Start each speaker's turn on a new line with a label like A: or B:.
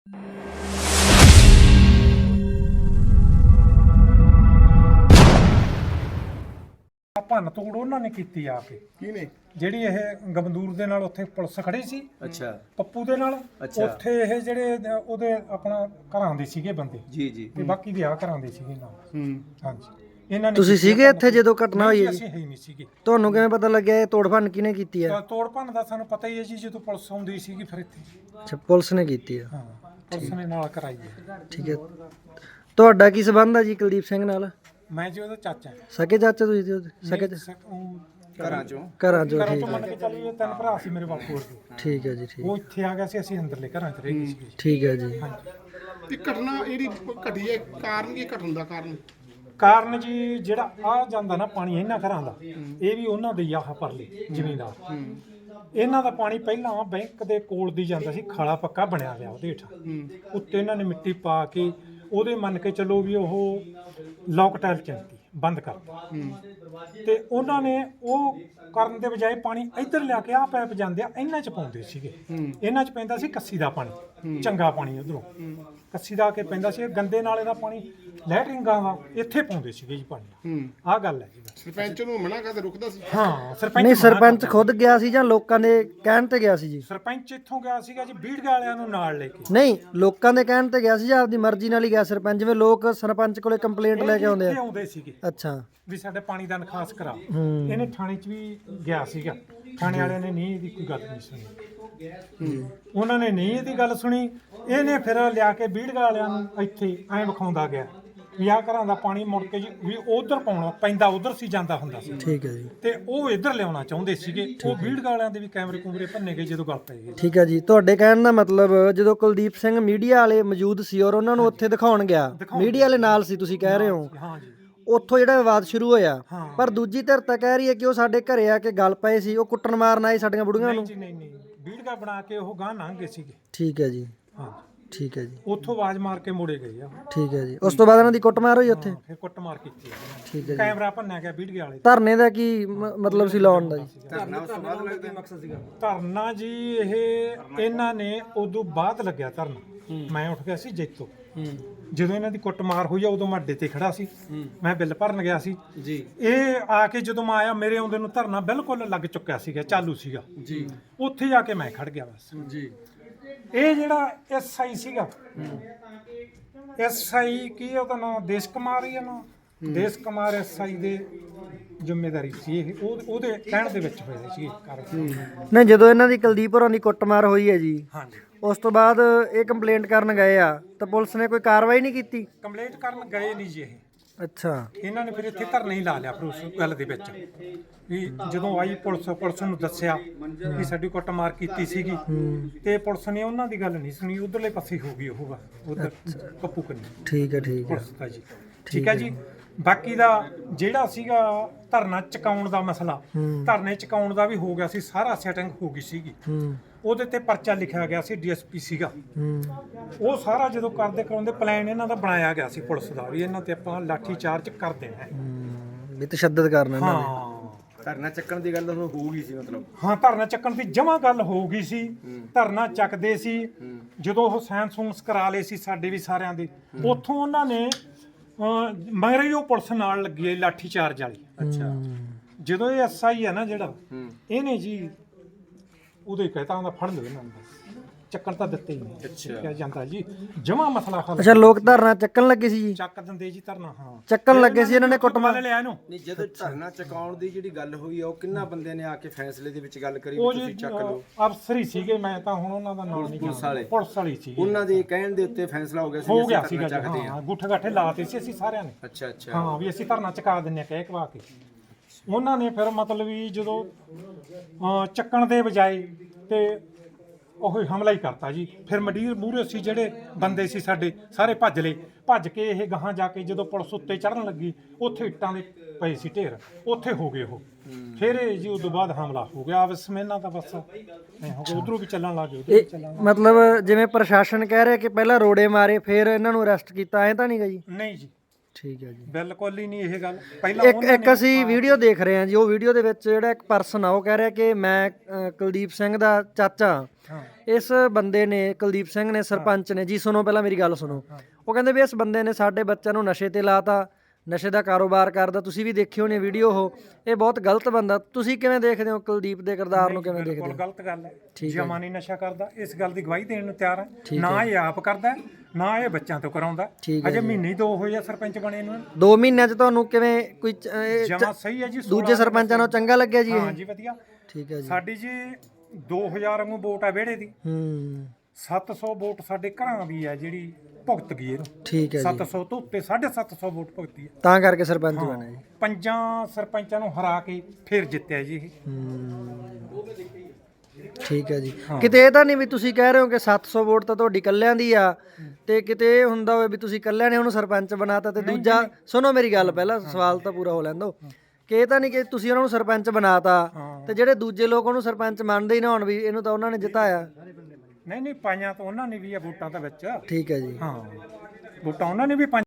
A: ਭੰਨ ਤੋੜ ਉਹਨਾਂ ਨੇ ਕੀਤੀ ਆ ਕੇ।
B: ਕਿਹਨੇ?
A: ਜਿਹੜੀ ਇਹ ਗਬੰਦੂਰ ਦੇ ਨਾਲ ਉੱਥੇ ਪੁਲਿਸ ਖੜੀ ਸੀ,
C: ਅੱਛਾ
A: ਪੱਪੂ ਦੇ ਨਾਲ,
C: ਅੱਛਾ।
A: ਉੱਥੇ ਇਹ ਜਿਹੜੇ ਉਹਦੇ ਆਪਣਾ ਘਰਾਂ ਦੇ ਸੀਗੇ ਬੰਦੇ
C: ਜੀ ਜੀ
A: ਤੇ ਬਾਕੀ ਦੇ ਆ ਘਰਾਂ ਦੇ ਸੀਗੇ ਨਾਲ। ਹਾਂਜੀ, ਇਹਨਾਂ ਨੇ
D: ਤੁਸੀਂ
A: ਕੀਤੀ
D: ਸੀਗੇ
A: ਆ
D: ਇੱਥੇ ਜਦੋਂ ਘਟਨਾ ਹੋਈ ਹੈ ਜੀ?
A: ਅਸੀਂ ਹੈ ਹੀ ਨਹੀਂ ਸੀਗੇ।
D: ਤੁਹਾਨੂੰ ਕਿਵੇਂ ਪਤਾ ਲੱਗਿਆ ਇਹ ਤੋੜ ਭੰਨ ਕਿਹਨੇ ਕੀਤੀ ਹੈ?
A: ਤਾਂ ਤੋੜ ਭੰਨ ਦਾ ਸਾਨੂੰ ਪਤਾ ਹੀ ਹੈ ਜੀ, ਜਦੋਂ ਪੁਲਿਸ ਆਉਂਦੀ ਸੀਗੀ ਫਿਰ ਇੱਥੇ।
D: ਅੱਛਾ, ਪੁਲਿਸ ਨੇ ਕੀਤੀ ਹੈ।
A: ਹਾਂ, ਪੁਲਿਸ ਨੇ ਨਾਲ ਕਰਾਈ ਹੈ।
D: ਠੀਕ ਹੈ, ਤੁਹਾਡਾ ਕੀ ਸੰਬੰਧ ਹੈ ਜੀ ਕੁਲਦੀਪ ਸਿੰਘ ਨਾਲ?
A: ਮੈਂ ਜੀ ਉਹਦਾ ਚਾਚਾ
D: ਸਕੇ ਚਾਚਾ ਤੁਸੀਂ ਜੀ ਉਹਦੇ? ਸਕੇ
C: ਘਰਾਂ ਚੋਂ
D: ਘਰਾਂ ਚੋਂ?
A: ਘਰਾਂ
D: ਠੀਕ
A: ਤੋਂ ਮੰਨ ਕੇ ਚੱਲੀਏ, ਤਿੰਨ ਭਰਾ ਸੀ ਮੇਰੇ ਬਾਪੂ ਹੋਰ ਦੇ।
D: ਠੀਕ ਹੈ ਜੀ, ਠੀਕ
A: ਉਹ ਇੱਥੇ ਆ ਗਿਆ ਸੀ, ਅਸੀਂ ਅੰਦਰਲੇ ਘਰਾਂ 'ਚ ਰਹਿ ਗਏ ਸੀਗੇ।
D: ਠੀਕ ਹੈ ਜੀ।
B: ਤੇ ਘਟਨਾ ਜਿਹੜੀ ਘਟੀ ਹੈ, ਕਾਰਨ ਕੀ ਘਟਣ ਦਾ
A: ਕਾਰਨ ਜੀ ਜਿਹੜਾ ਆ ਜਾਂਦਾ ਨਾ ਪਾਣੀ ਇਹਨਾਂ ਘਰਾਂ ਦਾ, ਇਹ ਵੀ ਉਹਨਾਂ ਦੇ ਆਹ ਪਰਲੇ ਜ਼ਮੀਨਦਾਰ। ਇਹਨਾਂ ਦਾ ਪਾਣੀ ਪਹਿਲਾਂ ਬੈਂਕ ਦੇ ਕੋਲ ਦੀ ਜਾਂਦਾ ਸੀ, ਖਾਲਾ ਪੱਕਾ ਬਣਿਆ ਹੋਇਆ ਉਹਦੇ ਹੇਠਾਂ। ਉੱਤੇ ਇਹਨਾਂ ਨੇ ਮਿੱਟੀ ਪਾ ਕੇ ਉਹਦੇ ਮੰਨ ਕੇ ਚੱਲੋ ਵੀ ਉਹ ਲੋਕ ਟਾਇਲ ਚੰਤੀ ਬੰਦ ਕਰਤਾ। ਤੇ ਉਹਨਾਂ ਨੇ ਉਹ ਕਰਨ ਦੇ ਬਜਾਏ ਪਾਣੀ ਇੱਧਰ ਲਿਆ ਕੇ ਆ ਪੈਪ ਜਾਂਦੇ ਆ ਇਹਨਾਂ 'ਚ ਪਾਉਂਦੇ ਸੀਗੇ। ਇਹਨਾਂ 'ਚ ਪੈਂਦਾ ਸੀ ਕੱਸੀ ਦਾ ਪਾਣੀ, ਚੰਗਾ ਪਾਣੀ ਉਧਰੋਂ ਕੱਸੀ ਦਾ ਆ ਕੇ ਪੈਂਦਾ ਸੀ। ਗੰਦੇ ਨਾਲੇ ਦਾ ਪਾਣੀ ਲੈਟਰਿੰਗਾਂ ਦਾ ਇੱਥੇ ਪਾਉਂਦੇ ਸੀਗੇ ਜੀ ਪਾਣੀ। ਆਹ ਗੱਲ ਹੈ ਜੀ।
B: ਸਰਪੰਚ ਨੂੰ ਮਨਾ ਕਰਦੇ ਰੁਕਦਾ ਸੀ?
A: ਹਾਂ, ਸਰਪੰਚ
D: ਨਹੀਂ,
A: ਮਨਾ
D: ਸਰਪੰਚ
A: ਕਰਦਾ।
D: ਖੁਦ ਗਿਆ ਸੀ ਜਾਂ ਲੋਕਾਂ ਦੇ ਕਹਿਣ ਤੇ ਗਿਆ ਸੀ ਜੀ?
A: ਸਰਪੰਚ ਇੱਥੋਂ ਗਿਆ ਸੀਗਾ ਜੀ, ਬੀੜਗਾ ਵਾਲਿਆਂ ਨੂੰ ਨਾਲ ਲੈ ਕੇ।
D: ਨਹੀਂ, ਲੋਕਾਂ ਦੇ ਕਹਿਣ ਤੇ ਗਿਆ ਸੀ ਜਾਂ ਆਪਦੀ ਮਰਜ਼ੀ ਨਾਲ ਹੀ ਗਿਆ ਸਰਪੰਚ? ਜਿਵੇਂ ਲੋਕ ਸਰਪੰਚ ਕੋਲੇ ਕੰਪਲੇਂਟ ਲੈ ਕੇ ਆਉਂਦੇ
A: ਇੱਥੇ
D: ਆ।
A: ਆਉਂਦੇ ਸੀਗੇ
D: ਅੱਛਾ,
A: ਵੀ ਸਾਡੇ ਪਾਣੀ ਦਾ ਨਿਕਾਸ ਕਰਾ। ਇਹਨੇ ਥਾਣੇ 'ਚ ਵੀ ਗਿਆ ਸੀਗਾ, ਥਾਣੇ ਵਾਲਿਆਂ ਨੇ ਨਹੀਂ ਇਹਦੀ ਕੋਈ ਗੱਲ ਨਹੀਂ ਸੁਣੀ। ਉਹਨਾਂ ਨੇ ਨਹੀਂ ਇਹਦੀ ਗੱਲ ਸੁਣੀ। ਇਹਨੇ ਫਿਰ ਲਿਆ ਕੇ ਬੀੜਗਾ ਵਾਲਿਆਂ ਨੂੰ ਇੱਥੇ ਐਂ ਵਿਖਾਉਂਦਾ ਗਿਆ ਵੀ ਆਹ ਘਰਾਂ ਦਾ ਪਾਣੀ ਮੁੜ ਕੇ ਜੀ ਵੀ ਉਧਰ ਪਾਉਣਾ ਪੈਂਦਾ, ਉਧਰ ਸੀ ਜਾਂਦਾ ਹੁੰਦਾ ਸੀ।
D: ਠੀਕ ਹੈ ਜੀ।
A: ਤੇ ਉਹ ਇੱਧਰ ਲਿਆਉਣਾ ਚਾਹੁੰਦੇ ਸੀਗੇ। ਉਹ ਬੀੜਗਾ ਵਾਲਿਆਂ ਦੇ ਵੀ ਕੈਮਰੇ ਕੁਮਰੇ ਭੰਨੇ ਗਏ ਜਦੋਂ ਗੱਲ ਪੈ ਗਈ।
D: ਠੀਕ ਹੈ ਜੀ, ਤੁਹਾਡੇ ਕਹਿਣ ਦਾ ਮਤਲਬ ਜਦੋਂ ਕੁਲਦੀਪ ਸਿੰਘ ਮੀਡੀਆ ਵਾਲੇ ਮੌਜੂਦ ਸੀ ਔਰ ਉਹਨਾਂ ਨੂੰ ਉੱਥੇ ਦਿਖਾਉਣ ਗਿਆ, ਮੀਡੀਆ ਵਾਲੇ ਨਾਲ ਸੀ ਤੁਸੀਂ ਕਹਿ ਰਹੇ ਹੋ,
A: ਹਾਂ ਜੀ।
D: ਉੱਥੋਂ ਜਿਹੜਾ ਵਿਵਾਦ ਸ਼ੁਰੂ ਹੋਇਆ।
A: ਹਾਂ।
D: ਪਰ ਦੂਜੀ ਧਿਰ ਤਾਂ ਕਹਿ ਰਹੀ ਹੈ ਕਿ ਉਹ ਸਾਡੇ ਘਰੇ ਆ ਕੇ ਗੱਲ ਪਏ ਸੀ, ਉਹ ਕੁੱਟਣ ਮਾਰਨ ਆਏ ਸਾਡੀਆਂ ਬੁੜੀਆਂ
A: ਨਹੀਂ
D: ਨੂੰ।
A: ਜੀ, ਨਹੀਂ ਬੀੜਗਾ ਬਣਾ ਕੇ ਉਹ ਗਾਂ ਲੰਘ ਗਏ ਸੀਗੇ।
D: ਠੀਕ ਹੈ ਜੀ,
A: ਹਾਂ,
D: ਠੀਕ ਹੈ ਜੀ,
A: ਉੱਥੋਂ ਆਵਾਜ਼ ਮਾਰ ਕੇ ਮੁੜੇ ਗਏ ਆ।
D: ਠੀਕ ਹੈ ਜੀ। ਉਸ ਤੋਂ ਬਾਅਦ ਇਹਨਾਂ ਦੀ ਕੁੱਟਮਾਰ ਹੋਈ ਉੱਥੇ?
A: ਫਿਰ ਕੁੱਟਮਾਰ ਕੀਤੀ ਆ।
D: ਠੀਕ ਹੈ ਜੀ।
A: ਕੈਮਰਾ ਭੰਨਿਆ ਗਿਆ ਬੀੜਗੇ ਵਾਲੇ।
D: ਧਰਨੇ ਦਾ ਕੀ ਮਤਲਬ ਸੀ ਲਾਉਣ ਦਾ ਜੀ?
C: ਧਰਨਾ ਉਸ ਤੋਂ ਬਾਅਦ ਲੱਗਦਾ ਮਕਸਦ ਸੀਗਾ?
A: ਧਰਨਾ ਜੀ ਇਹ ਇਹਨਾਂ ਨੇ ਉਦੋਂ ਬਾਅਦ ਲੱਗਿਆ ਧਰਨਾ। ਮੈਂ ਉੱਠ ਗਿਆ ਸੀ ਜੈਤੋ। ਜਦੋਂ ਇਹਨਾਂ ਦੀ ਕੁੱਟਮਾਰ ਹੋਈ ਆ ਉਦੋਂ ਮੈਂ ਅੱਡੇ ਤੇ ਖੜਾ ਸੀ, ਮੈਂ ਬਿੱਲ ਭਰਨ ਗਿਆ ਸੀ
C: ਜੀ।
A: ਇਹ ਆ ਕੇ ਜਦੋਂ ਮੈਂ ਆਇਆ, ਮੇਰੇ ਆਉਂਦੇ ਨੂੰ ਧਰਨਾ ਬਿਲਕੁਲ ਲੱਗ ਚੁੱਕਿਆ ਸੀਗਾ, ਚਾਲੂ ਸੀਗਾ
C: ਜੀ।
A: ਉੱਥੇ ਜਾ ਕੇ ਮੈਂ ਖੜ ਗਿਆ ਬਸ।
C: ਜੀ।
A: ਇਹ ਜਿਹੜਾ ਐਸਆਈ ਸੀਗਾ, ਐਸਆਈ ਕੀ ਉਹਦਾ ਨਾਮ ਦੇਸ਼ ਕੁਮਾਰ ਹੀ ਆ ਨਾ, ਦੇਸ਼ ਕੁਮਾਰ ਐਸਆਈ ਦੇ ਜ਼ਿੰਮੇਵਾਰੀ ਸੀ ਇਹ। ਉਹਦੇ ਕਹਿਣ ਦੇ ਵਿੱਚ ਹੋਇਆ ਸੀ ਕਾਰਵਾਈ।
D: ਨਹੀਂ, ਜਦੋਂ ਇਹਨਾਂ ਦੀ ਕੁਲਦੀਪ ਹੋਰਾਂ ਦੀ ਕੁੱਟਮਾਰ ਹੋਈ ਹੈ ਜੀ,
A: ਹਾਂਜੀ,
D: ਉਸ ਤੋਂ ਬਾਅਦ ਇਹ ਕੰਪਲੇਂਟ ਕਰਨ ਗਏ ਆ ਤਾਂ ਪੁਲਿਸ ਨੇ ਕੋਈ ਕਾਰਵਾਈ ਨਹੀਂ ਕੀਤੀ?
A: ਕੰਪਲੇਂਟ ਕਰਨ ਗਏ ਨਹੀਂ ਜੀ ਇਹ।
D: ਅੱਛਾ,
A: ਇਹਨਾਂ ਨੇ ਫਿਰ ਇੱਥੇ ਧਰਨਾ ਹੀ ਲਾ ਲਿਆ ਫਿਰ ਉਸ ਗੱਲ ਦੇ ਵਿੱਚ ਵੀ ਜਦੋਂ ਆਈ ਪੁਲਿਸ ਨੂੰ ਦੱਸਿਆ ਵੀ ਸਾਡੀ ਕੁੱਟਮਾਰ ਕੀਤੀ ਸੀਗੀ ਤੇ ਪੁਲਿਸ ਨੇ ਉਹਨਾਂ ਦੀ ਗੱਲ ਨਹੀਂ ਸੁਣੀ, ਉਧਰਲੇ ਪਾਸੇ ਹੋ ਗਈ ਉਹ ਉਧਰ ਪੱਪੂ ਕੰਨੀ
D: ਠੀਕ ਹੈ, ਠੀਕ ਹੈ,
A: ਪੁਲਿਸ ਦਾ ਜੀ। ਠੀਕ ਹੈ ਜੀ। ਬਾਕੀ ਦਾ ਜਿਹੜਾ ਸੀਗਾ ਧਰਨਾ ਚੁਕਾਉਣ ਦਾ ਮਸਲਾ, ਧਰਨੇ ਚੁਕਾਉਣ ਦਾ ਵੀ ਹੋ ਗਿਆ ਸੀ, ਸਾਰਾ ਸੈਟਿੰਗ ਹੋ ਗਈ ਸੀਗੀ। ਉਹਦੇ ਤੇ ਪਰਚਾ ਲਿਖਿਆ ਗਿਆ ਸੀ, ਡੀਐਸਪੀ ਸੀਗਾ ਉਹ। ਸਾਰਾ ਜਦੋਂ ਕਰਦੇ ਕਰਾਉਂਦੇ ਪਲਾਨ ਇਹਨਾਂ ਦਾ ਬਣਾਇਆ ਗਿਆ ਸੀ ਪੁਲਿਸ ਦਾ ਵੀ ਇਹਨਾਂ ਤੇ ਆਪਾਂ ਲਾਠੀ ਚਾਰਜ ਕਰ ਦੇਣਾ ਹੈ।
D: ਵੀ ਤਸ਼ੱਦਦ ਕਰਨਾ ਇਹਨਾਂ ਨੇ।
A: ਹਾਂ,
C: ਧਰਨਾ ਚੱਕਣ ਦੀ ਗੱਲ ਹੋ ਗਈ ਸੀ ਮਤਲਬ?
A: ਹਾਂ, ਧਰਨਾ ਚੱਕਣ ਦੀ ਜਮਾਂ ਗੱਲ ਹੋ ਗਈ ਸੀ। ਧਰਨਾ ਚੱਕਦੇ ਸੀ ਜਦੋਂ ਉਹ ਸੈਂਸ ਕਰਾ ਲਏ ਸੀ ਸਾਡੇ ਵੀ ਸਾਰਿਆਂ ਦੇ। ਉੱਥੋਂ ਉਹਨਾਂ ਨੇ ਮਗਰ ਹੀ ਉਹ ਪੁਲਿਸ ਨਾਲ ਲੱਗੀ ਹੈ ਲਾਠੀ ਚਾਰਜ ਵਾਲੀ।
C: ਅੱਛਾ।
A: ਜਦੋਂ ਇਹ ਐਸਆਈ ਹੈ ਨਾ ਜਿਹੜਾ, ਇਹਨੇ ਜੀ ਉਹਦੇ ਕਹਿਤਾ ਹੁੰਦਾ ਫੜ ਲਓ ਇਹਨਾਂ ਨੂੰ, ਚੱਕਣ ਤਾਂ ਦਿੱਤੇ ਹੀ ਨਹੀਂ। ਕਿਹਾ ਜਾਂਦਾ ਜੀ ਜਮਾਂ ਮਸਲਾ ਹੱਲ।
D: ਅੱਛਾ, ਲੋਕ ਧਰਨਾ ਚੱਕਣ ਲੱਗੇ ਸੀ ਜੀ?
A: ਚੱਕ ਦਿੰਦੇ ਜੀ ਧਰਨਾ। ਹਾਂ,
D: ਚੱਕਣ ਲੱਗੇ ਸੀ, ਇਹਨਾਂ ਨੇ ਕੁੱਟਮਾਰ
A: ਲਿਆ ਇਹਨੂੰ।
C: ਨਹੀਂ, ਜਦੋਂ ਧਰਨਾ ਚੁਕਾਉਣ ਦੀ ਜਿਹੜੀ ਗੱਲ ਹੋਈ ਆ ਉਹ ਕਿੰਨਾ ਬੰਦਿਆਂ ਨੇ ਆ ਕੇ ਫੈਸਲੇ ਦੇ ਵਿੱਚ ਗੱਲ ਕਰੀ
A: ਉਹ
C: ਵੀ
A: ਜੀ
C: ਤੁਸੀਂ ਚੱਕ ਲਓ?
A: ਅਫਸਰ ਹੀ ਸੀਗੇ, ਮੈਂ ਤਾਂ ਹੁਣ ਉਹਨਾਂ ਦਾ ਨਾਮ ਨਹੀਂ ਜਾਣਦਾ। ਪੁਲਿਸ ਵਾਲੀ ਸੀ,
C: ਉਹਨਾਂ ਦੇ ਕਹਿਣ ਦੇ ਉੱਤੇ ਫੈਸਲਾ ਹੋ ਗਿਆ ਸੀ
A: ਹੋ
C: ਅਸੀਂ
A: ਗਿਆ
C: ਧਰਨਾ
A: ਸੀਗਾ ਜੀ।
C: ਚੱਕਦੇ
A: ਹਾਂ,
C: ਹਾਂ।
A: ਗੁੱਠੇ ਗਾਠੇ ਲਾਤੇ ਸੀ ਅਸੀਂ ਸਾਰਿਆਂ ਨੇ।
C: ਅੱਛਾ ਅੱਛਾ।
A: ਹਾਂ, ਵੀ ਅਸੀਂ ਧਰਨਾ ਚੁਕਾ ਦਿੰਨੇ ਆ ਕਹਿ ਕਵਾ ਕੇ। ਉਹਨਾਂ ਨੇ ਫਿਰ ਮਤਲਬ ਵੀ ਜਦੋਂ ਚੱਕਣ ਦੇ ਬਜਾਏ ਤੇ ਉਹ ਹਮਲਾ ਹੀ ਕਰਤਾ ਜੀ। ਫਿਰ ਮੰਡੀਰ ਮੂਹਰੇ ਸੀ ਜਿਹੜੇ ਬੰਦੇ ਸੀ ਸਾਡੇ ਸਾਰੇ ਭੱਜ ਲਏ। ਭੱਜ ਕੇ ਇਹ ਗਾਹਾਂ ਜਾ ਕੇ ਜਦੋਂ ਪੁਲਿਸ ਉੱਤੇ ਚੜਨ ਲੱਗੀ, ਉੱਥੇ ਇੱਟਾਂ ਦੇ ਪਏ ਸੀ ਢੇਰ, ਉੱਥੇ ਹੋ ਗਏ ਉਹ। ਫਿਰ ਇਹ ਜੀ ਉਦੋਂ ਬਾਅਦ ਹਮਲਾ ਹੋ ਗਿਆ ਆਪਸ ਵਿੱਚ ਇਹਨਾਂ ਦਾ ਬਸ ਐਂ ਹੋ ਗਿਆ। ਉਧਰੋਂ ਵੀ ਚੱਲਣ ਲੱਗ ਗਏ, ਉਧਰੋਂ ਵੀ ਚੱਲਣ ਲੱਗ
D: ਮਤਲਬ ਜਿਵੇਂ ਪ੍ਰਸ਼ਾਸਨ ਕਹਿ ਰਿਹਾ ਕਿ ਪਹਿਲਾਂ ਰੋੜੇ ਮਾਰੇ ਫਿਰ ਇਹਨਾਂ ਨੂੰ ਅਰੈਸਟ ਕੀਤਾ, ਐ ਤਾਂ ਨਹੀਂ ਗਾ ਜੀ?
A: ਗਏ। ਨਹੀਂ ਜੀ,
D: ਠੀਕ ਹੈ ਜੀ।
A: ਬਿਲਕੁਲ ਹੀ ਨਹੀਂ ਇਹ ਗੱਲ। ਪਹਿਲਾਂ
D: ਇੱਕ ਅਸੀਂ ਵੀਡੀਓ ਦੇਖ ਰਹੇ ਹਾਂ ਜੀ, ਉਹ ਵੀਡੀਓ ਦੇ ਵਿੱਚ ਜਿਹੜਾ ਇੱਕ ਪਰਸਨ ਆ ਉਹ ਕਹਿ ਰਿਹਾ ਕਿ ਮੈਂ ਕੁਲਦੀਪ ਸਿੰਘ ਦਾ ਚਾਚਾ।
A: ਹਾਂ
D: ਇਸ ਬੰਦੇ ਨੇ, ਕੁਲਦੀਪ ਸਿੰਘ ਨੇ, ਸਰਪੰਚ ਨੇ ਜੀ, ਸੁਣੋ ਪਹਿਲਾਂ ਮੇਰੀ ਗੱਲ ਸੁਣੋ। ਉਹ ਕਹਿੰਦੇ ਵੀ ਇਸ ਬੰਦੇ ਨੇ ਸਾਡੇ ਬੱਚਿਆਂ ਨੂੰ ਨਸ਼ੇ ਤੇ ਲਾਤਾ, ਨਸ਼ੇ ਦਾ ਕਾਰੋਬਾਰ ਕਰਦਾ। ਤੁਸੀਂ ਵੀ ਦੇਖੀ ਹੋਣੀ ਵੀਡੀਓ ਉਹ, ਇਹ ਬਹੁਤ ਗਲਤ ਬੰਦਾ। ਤੁਸੀਂ ਕਿਵੇਂ ਦੇਖਦੇ ਹੋ ਕੁਲਦੀਪ ਦੇ ਕਿਰਦਾਰ ਨੂੰ, ਕਿਵੇਂ ਦੇਖਦੇ
A: ਬਿਲਕੁਲ
D: ਹੋ?
A: ਗਲਤ ਗੱਲ ਹੈ। ਜਮਾ ਨਹੀਂ ਨਸ਼ਾ ਕਰਦਾ, ਇਸ ਗੱਲ ਦੀ ਗਵਾਹੀ ਦੇਣ ਨੂੰ ਤਿਆਰ ਹੈ। ਨਾ ਇਹ ਆਪ ਕਰਦਾ, ਨਾ ਇਹ ਬੱਚਿਆਂ ਤੋਂ ਕਰਾਉਂਦਾ। ਅਜੇ ਮਹੀਨੇ 2 ਹੋਏ ਆ ਸਰਪੰਚ ਬਣੇ ਨੂੰ।
D: 2 ਮਹੀਨਿਆਂ 'ਚ ਤੁਹਾਨੂੰ ਕਿਵੇਂ ਕੋਈ
A: ਜਮਾ ਸਹੀ ਹੈ ਜੀ।
D: ਦੂਜੇ ਸਰਪੰਚਾਂ ਨੂੰ ਚੰਗਾ ਲੱਗਿਆ ਜੀ ਇਹ?
A: ਹਾਂ ਜੀ ਵਧੀਆ।
D: ਠੀਕ ਹੈ ਜੀ।
A: ਸਾਡੀ ਜੀ 2000 ਨੂੰ ਵੋਟ ਆ ਵਿਹੜੇ ਦੀ। 700 ਵੋਟ ਸਾਡੇ ਘਰਾਂ ਦੀ ਆ ਜਿਹੜੀ ਭੁਗਤ ਗਈ ਇਹਨੂੰ।
D: ਠੀਕ ਹੈ ਜੀ।
A: 700 ਤੋਂ ਉੱਤੇ 750 ਵੋਟ ਭੁਗਤੀ ਹੈ।
D: ਤਾਂ ਕਰਕੇ ਸਰਪੰਚ ਬਣੇ ਜੀ।
A: 5 ਸਰਪੰਚਾਂ ਨੂੰ ਹਰਾ ਕੇ ਫਿਰ ਜਿੱਤਿਆ ਜੀ ਇਹ।
D: ਠੀਕ ਹੈ ਜੀ। ਕਿਤੇ ਇਹ ਤਾਂ ਨਹੀਂ ਵੀ ਤੁਸੀਂ ਕਹਿ ਰਹੇ ਹੋ ਕਿ 700 ਵੋਟ ਤਾਂ ਤੁਹਾਡੀ ਕੱਲਿਆਂ ਦੀ ਆ, ਤੇ ਕਿਤੇ ਇਹ ਹੁੰਦਾ ਹੋਵੇ ਵੀ ਤੁਸੀਂ ਕੱਲਿਆਂ ਨੇ ਉਹਨੂੰ ਸਰਪੰਚ ਬਣਾਤਾ ਤੇ ਦੂਜਾ, ਸੁਣੋ ਮੇਰੀ ਗੱਲ ਪਹਿਲਾਂ, ਸਵਾਲ ਤਾਂ ਪੂਰਾ ਹੋ ਲੈਣ ਦਿਓ, ਕਿ ਇਹ ਤਾਂ ਨਹੀਂ ਕਿ ਤੁਸੀਂ ਉਹਨਾਂ ਨੂੰ ਸਰਪੰਚ ਬਣਾਤਾ ਤੇ ਜਿਹੜੇ ਦੂਜੇ ਲੋਕ ਉਹਨੂੰ ਸਰਪੰਚ ਮੰਨਦੇ ਹੀ ਨਾ ਹੋਣ ਵੀ ਇਹਨੂੰ ਤਾਂ ਉਹਨਾਂ ਨੇ ਜਿਤਾਇਆ।
A: ਨਹੀਂ ਪਾਈਆਂ ਤਾਂ ਉਹਨਾਂ ਨੇ ਵੀ ਆ ਵੋਟਾਂ ਤਾਂ ਵਿੱਚ।
D: ਠੀਕ ਹੈ ਜੀ।
A: ਹਾਂ ਵੋਟਾਂ ਉਹਨਾਂ ਨੇ ਵੀ ਪਾਈਆਂ।